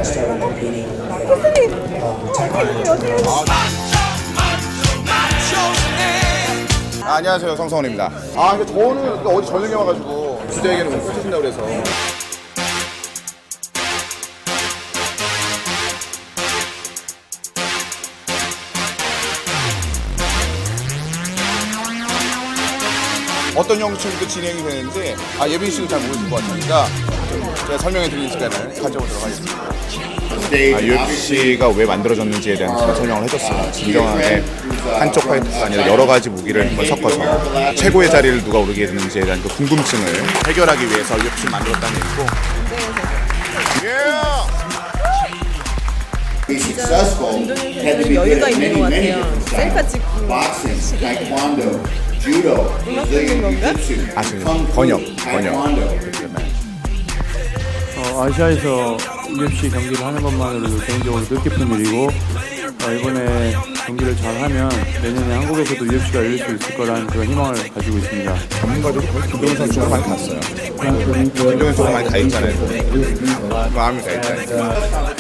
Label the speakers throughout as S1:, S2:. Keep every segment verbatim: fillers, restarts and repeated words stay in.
S1: started competing. Um, technically,
S2: 아, 안녕하세요, 성성원입니다. 아, 근데 저는 또 어디 저녁에 와가지고 주제에게는 오늘 꽂히신다고 그래서. 어떤 형식으로 진행이 되는지 아, 예빈 씨는 잘 모르실 것 같으니까 좀 제가 설명해 드리는 시간을 가져보도록 하겠습니다. 아, 유에프씨가 왜 만들어졌는지에 대한 제가 설명을 해줬어요. 진정하게 한쪽 파이터가 아니라 여러 가지 무기를 한번 섞어서 최고의 자리를 누가 오르게 되는지에 대한 그 궁금증을 해결하기 위해서 유에프씨를 만들었다는 얘기고.
S3: Be successful had to be good at many, many different styles. Boxing, taekwondo, judo, Brazilian jiu-jitsu,
S2: 아, 지금
S3: kung fu,
S2: 번역, 번역.
S3: taekwondo.
S4: 어, 아시아에서 유에프씨 경기를 하는 것만으로도 개인적으로 뜻깊은 일이고 어, 이번에 경기를 잘하면 내년에 한국에서도 유에프씨가 열릴 수 있을 거라는 그런 희망을 가지고 있습니다.
S2: 전문가들도 거의 김동현 선수가 많이 갔어요. 김동현 선수가 많이 가 있잖아요. 마음이 가 있잖아요.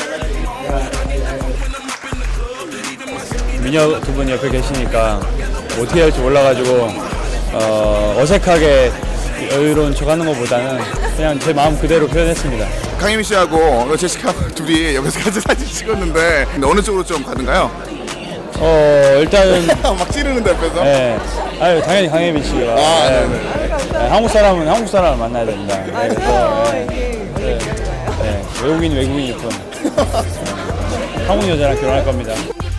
S5: 미녀 두 분 옆에 계시니까 어떻게 할지 몰라가지고 어, 어색하게 여유로운 척하는 것보다는 그냥 제 마음 그대로 표현했습니다.
S2: 강혜민 씨하고 제시카 둘이 옆에서 같이 사진 찍었는데 근데 어느 쪽으로 좀 가는가요?
S5: 어 일단은
S2: 막 찌르는데 옆에서?
S5: 네, 아유 당연히 강혜민 씨가
S2: 아,
S5: 네.
S2: 네네.
S5: 네, 한국 사람은 한국 사람을 만나야 됩니다. 네, 그래서 네, 네, 네, 외국인 외국인 예쁜 네, 한국 여자랑 결혼할 겁니다.